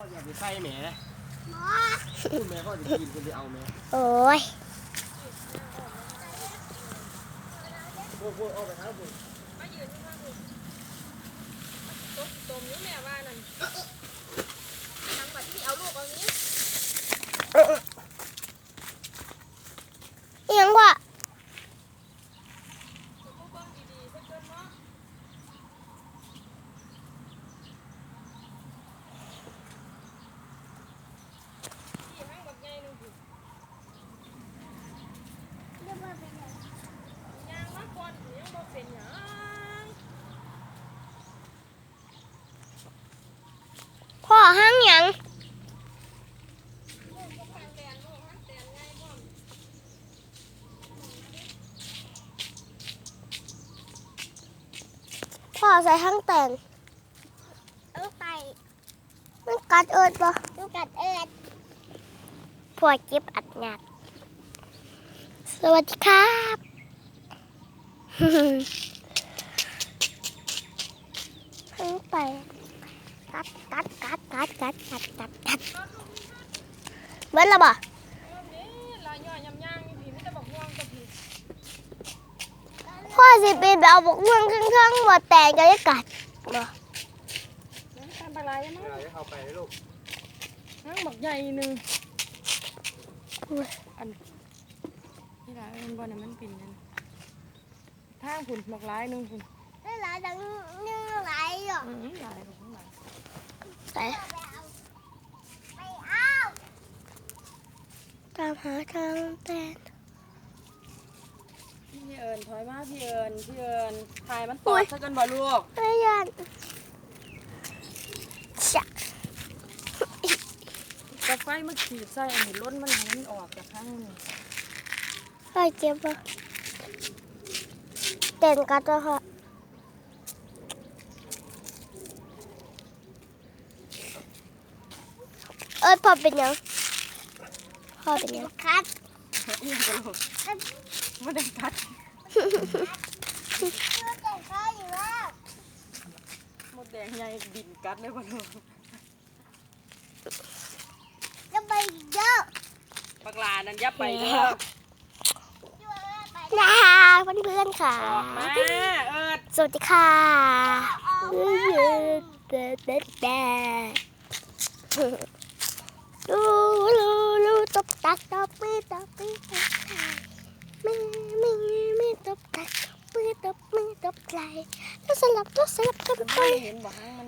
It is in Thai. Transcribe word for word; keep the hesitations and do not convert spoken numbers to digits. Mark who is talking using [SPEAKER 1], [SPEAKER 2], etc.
[SPEAKER 1] อยากไปใส่แหมคุณแม่เขาจะกินคุณไปเอาแหม
[SPEAKER 2] โอ้ย
[SPEAKER 1] พวกพวกเอาไปครับคุณ
[SPEAKER 3] มายืนที่ข้างคุณตบตมอยู่แม่ว่านั่นทางบัดที่เอาลูกเอานี้
[SPEAKER 2] ยังวะพ่อห้างยังพ่อใส่ห้างแต่งเออไปมันกัดเอิดปะมันกัดเอิดพ่อเก็บอัดหนักสวัสดีครับห้างไปกัดกัดกัดกัดกัดกัดกัดกัดเบิ้ลละบ่พ่อสิปีนไปเอาบกเมืองข้างๆมาแต่งกันจะกัดบ่
[SPEAKER 3] ทำอะไรมั้ง
[SPEAKER 1] เอาไปลูก
[SPEAKER 3] ห้างบักใหญ่หนึ่งอันที่ร้านมันบอลเนี่ยมันปิ่นกันทางผุนบักหลายหนึ่งผุน
[SPEAKER 2] หลายดังนึงหลายหรอ
[SPEAKER 3] หลายของหลาย
[SPEAKER 2] ไปเอาตามหาทางแต่
[SPEAKER 3] พี่เอิญถอยมาพี่เอิญพี่เอิญถ่ายมันตอดซะกันบ่ลูก
[SPEAKER 2] ไม่ยันจะ
[SPEAKER 3] กาไฟมันขีดใส่อันนี้ล้นมันมันออกจากข้างนี้
[SPEAKER 2] ไฟเจ็บปะเต้นกันตัวค่ะเอิญพ่อเป็นยังพ่อเป็นยังคัด
[SPEAKER 3] อีกแล้วไม่ได้กัดหมดแดงใหญ่บินกัดเลยบ่ลูก
[SPEAKER 2] จะไปเยอะ
[SPEAKER 3] ปักลานั่นยับไปเยอะ
[SPEAKER 2] นะเพื่อนเพื่อนค่ะ
[SPEAKER 3] มาเอิด
[SPEAKER 2] สวัสดีค่ะเด็ดเด็ดเด็ดลูลูลูตบตักตบมือตบมือตบมือมือมือตบตักตบมือตบมือตบไหลแล้วสลับแล้วสลับกันไป
[SPEAKER 3] เห็นบ่ห้างมัน